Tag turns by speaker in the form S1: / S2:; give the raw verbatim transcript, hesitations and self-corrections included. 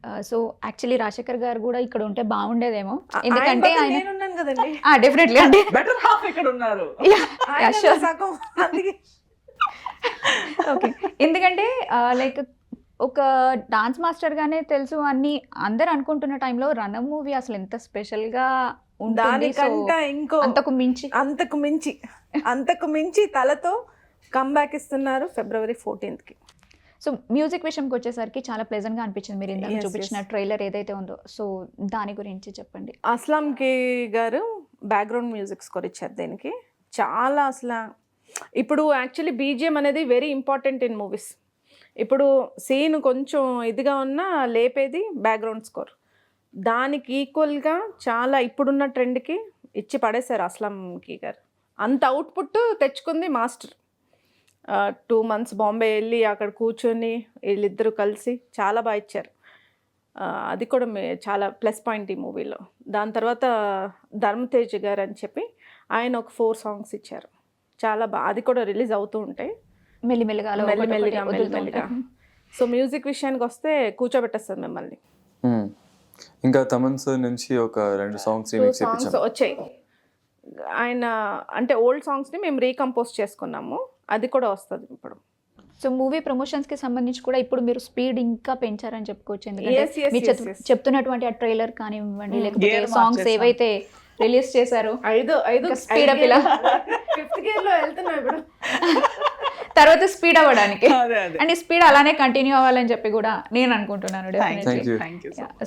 S1: So actually Rajasekhar గారు కూడా ఇక్కడ ఉంటే బాగుండేదేమో,
S2: ఆ-
S1: ఎందుకంటే
S2: ఆయన బదులు
S1: ఆయన
S2: నేనున్నాను కదండి.
S1: డెఫినెట్లీ అంటే
S3: బెటర్ హాఫ్ ఇక్కడ ఉన్నారు.
S2: ఆయన
S1: sure.
S2: సగం అందుకే.
S1: ఓకే, ఎందుకంటే లైక్ ఒక డాన్స్ మాస్టర్ గానే తెలుసు అని అందరు అనుకుంటున్న టైంలో రణం మూవీ అసలు ఎంత స్పెషల్ గా ఉంటుంది. సో
S2: దానికంటే ఇంకో
S1: అంతకు మించి
S2: అంతకు మించి అంతకు మించి తలతో కంబ్యాక్ ఇస్తున్నారు ఫిబ్రవరి ఫోర్టీన్త్ కి.
S1: సో మ్యూజిక్ విషయంకి వచ్చేసరికి చాలా ప్లెజెంట్ గా అనిపించింది మీరు ఇందాక
S2: Yes,
S1: చూపించిన ట్రైలర్ ఏదైతే ఉందో. సో దాని గురించి చెప్పండి.
S2: అస్లాం కే గారు బ్యాక్గ్రౌండ్ మ్యూజిక్ స్కోర్ ఇచ్చారు దీనికి. చాలా అసలు ఇప్పుడు యాక్చువల్లీ బీజిఎం అనేది వెరీ ఇంపార్టెంట్ ఇన్ మూవీస్. ఇప్పుడు సీన్ కొంచెం ఇదిగా ఉన్నా లేపేది బ్యాక్గ్రౌండ్ స్కోర్. దానికి ఈక్వల్గా చాలా ఇప్పుడున్న ట్రెండ్కి ఇచ్చి పడేశారు అస్లాంకి గారు. అంత అవుట్పుట్ తెచ్చుకుంది మాస్టర్. టూ మంత్స్ బాంబే వెళ్ళి అక్కడ కూర్చొని వీళ్ళిద్దరూ కలిసి చాలా బాగా ఇచ్చారు. ఆ, అది కూడా మే- చాలా ప్లస్ పాయింట్ ఈ మూవీలో. దాని తర్వాత ధర్మతేజ్ గారు అని చెప్పి ఆయన ఒక ఫోర్ సాంగ్స్ ఇచ్చారు. చాలా బాగా, అది కూడా రిలీజ్ అవుతూ ఉంటాయి
S1: మెల్లిమెల్లిగా అలా ఒకటి
S2: మెల్లిమెల్లిగా
S1: ఒకటి వదులుతూ
S2: మెల్లిమెల్లిగా.
S1: ఉంటారు.
S2: సో మ్యూజిక్ విషయానికి వస్తే కూర్చోబెట్టేస్తుంది మిమ్మల్ని.
S4: మ్మ్. ఇంకా తమన్ సార్ నుంచి ఒక రెండు సాంగ్స్
S2: టూ
S4: రీమిక్స్
S2: సాంగ్స్
S4: చేయించాం.
S2: వచ్చాయి. ఆయన అంటే ఓల్డ్ సాంగ్స్ని మేము రీకంపోజ్ చేసుకున్నాము. అది కూడా వస్తుంది ఇప్పుడు.
S1: సో మూవీ ప్రమోషన్స్ కి సంబంధించి కూడా ఇప్పుడు మీరు స్పీడ్ ఇంకా పెంచారని చెప్పుకోవచ్చు. ఎందుకంటే
S2: Yes, yes,
S1: మీరు
S2: yes,
S1: చెప్-
S2: yes.
S1: చెప్తున్నటువంటి ఆ ట్రైలర్ కానివ్వండి, లేకపోతే
S3: Gear
S1: సాంగ్స్
S3: మార్చేసాం.
S1: ఏవైతే రిలీజ్ చేశారో
S2: ఐదు ఐదు
S1: ఇంకా speed up ఇలా.
S2: ఫిఫ్త్ గేర్ లో వెళ్తున్నాం ఇప్పుడు.
S1: తర్వాత స్పీడ్ అవ్వడానికి
S3: అదే అదే
S1: అండ్ ఈ స్పీడ్ అలానే కంటిన్యూ అవ్వాలని చెప్పి కూడా నేను అనుకుంటున్నాను.
S3: Thank
S1: definitely
S4: Thank you.
S3: Thank you.